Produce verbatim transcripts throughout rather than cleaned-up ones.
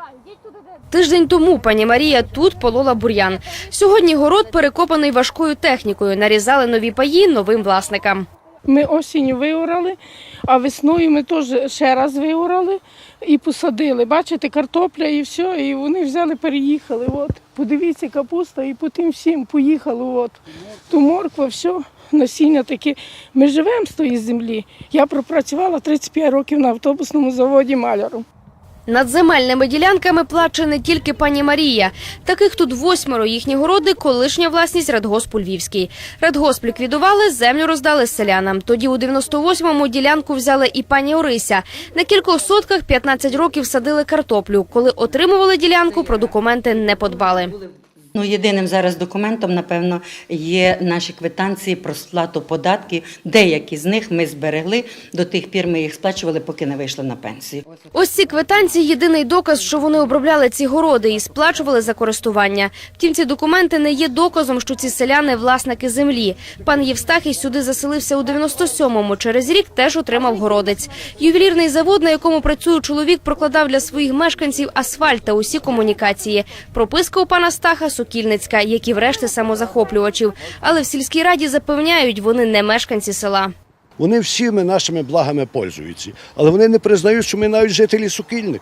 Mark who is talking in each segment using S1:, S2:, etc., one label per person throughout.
S1: Тиждень тому пані Марія тут полола бур'ян. Сьогодні город перекопаний важкою технікою. Нарізали нові паї новим власникам.
S2: Ми осінню виорали, а весною ми теж ще раз виорали і посадили. Бачите, картопля і все, і вони взяли, переїхали. От. Подивіться, капуста, і по тим всім поїхали. От. То морква, все, насіння таке. Ми живемо з тої землі. Я пропрацювала тридцять п'ять років на автобусному заводі маляром.
S1: Над земельними ділянками плаче не тільки пані Марія. Таких тут восьмеро. Їхні городи – колишня власність Радгоспу Львівський. Радгосп ліквідували, землю роздали селянам. Тоді у дев'яносто восьмому ділянку взяли і пані Орися. На кількох сотках п'ятнадцять років садили картоплю. Коли отримували ділянку, про документи не подбали.
S3: Ну, єдиним зараз документом, напевно, є наші квитанції про сплату податків. Деякі з них ми зберегли, до тих пір ми їх сплачували, поки не вийшли на пенсію.
S1: Ось ці квитанції – єдиний доказ, що вони обробляли ці городи і сплачували за користування. Втім, ці документи не є доказом, що ці селяни – власники землі. Пан Євстахій сюди заселився у дев'яносто сьомому. Через рік теж отримав городець. Ювелірний завод, на якому працює чоловік, прокладав для своїх мешканців асфальт та усі комунікації. Прописка у пана Стаха – Сокільницька, як і врешті самозахоплювачів. Але в сільській раді запевняють, вони не мешканці села.
S4: Вони всіми нашими благами пользуються, але вони не признають, що ми навіть жителі Сокільник.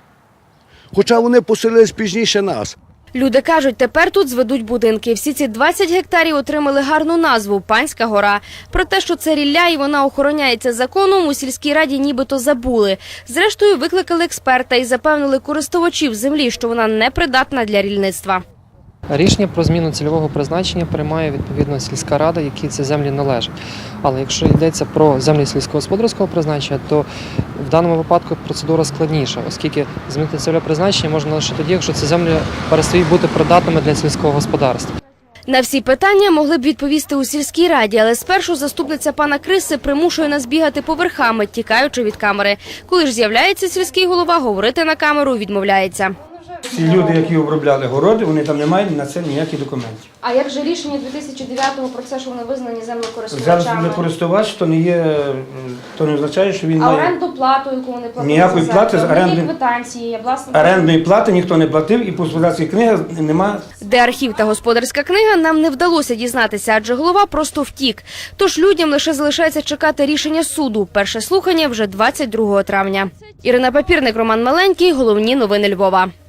S4: Хоча вони поселились пізніше нас.
S1: Люди кажуть, тепер тут зведуть будинки. Всі ці двадцять гектарів отримали гарну назву – Панська гора. Про те, що це рілля і вона охороняється законом, у сільській раді нібито забули. Зрештою, викликали експерта і запевнили користувачів землі, що вона непридатна для рільництва.
S5: Рішення про зміну цільового призначення приймає відповідно сільська рада, якій ці землі належать. Але якщо йдеться про землі сільськогосподарського призначення, то в даному випадку процедура складніша, оскільки змінити цільове призначення можна лише тоді, якщо ці землі перестають бути придатними для сільського господарства.
S1: На всі питання могли б відповісти у сільській раді, але спершу заступниця пана Криси примушує нас бігати поверхами, тікаючи від камери. Коли ж з'являється сільський голова, говорити на камеру відмовляється.
S6: Ці люди, які обробляли городи, вони там не мають на це ніяких документів.
S1: А як же рішення дві тисячі дев'ятого про це, що вони визнані землекористувачами?
S6: Зараз землекористувач, то не є, то не означає, що він
S1: А
S6: має...
S1: оренду плату, яку вони платили?
S6: Ніякої плати з оренди...
S1: квитанції, власне...
S6: орендної плати ніхто не платив, і по господарській книгі нема.
S1: Де архів та господарська книга, нам не вдалося дізнатися, адже голова просто втік. Тож людям лише залишається чекати рішення суду. Перше слухання вже двадцять другого травня. Ірина Папірник, Роман Маленький. Головні новини Львова.